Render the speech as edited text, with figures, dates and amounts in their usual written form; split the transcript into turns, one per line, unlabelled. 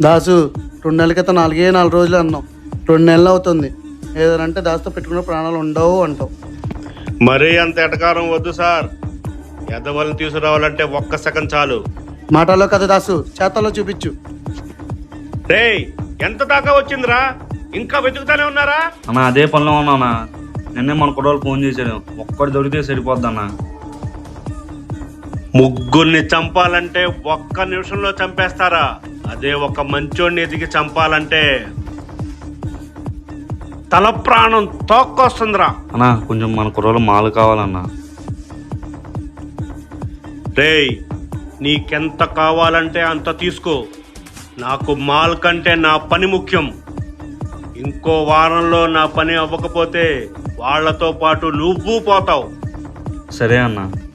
దాసు 2 నెలల క్రితం 4 రోజులు అన్నావు, 2 నెలలు అవుతుంది. ఏదంటే దాసుతో పెట్టుకున్న ప్రాణాలు ఉండవు అంటావు.
మరీ అంత ఎటకారం వద్దు సార్. ఎదవలను తీసుకురావాలంటే 1 సెకండ్ చాలు.
మాటల్లో కదా దాసు, చేతల్లో చూపించు.
రేయ్, ఎంత దాకా వచ్చిందిరా? ఇంకా వెతుకుతానే ఉన్నారా?
అన్న అదే పనిలో ఉన్నానా. నిన్నే మన కుర్రోళ్ళు ఫోన్ చేశాడు, ఒక్కటి దొరికితే సరిపోద్దన్నా.
ముగ్గురిని చంపాలంటే 1 నిమిషంలో చంపేస్తారా? అదే ఒక మంచోడిని ఎదిగి చంపాలంటే తల ప్రాణం తోక్కొస్తుందిరా.
అన్నా కొంచెం మన కుర్రోళ్ళు మాలు కావాలన్నా.
రేయ్, నీకెంత కావాలంటే అంత తీసుకో. నాకు మాల్ కంటే నా పని ముఖ్యం. ఇంకో వారంలో నా పని అవ్వకపోతే వాళ్లతో పాటు నువ్వు పోతావు.
సరే అన్నా.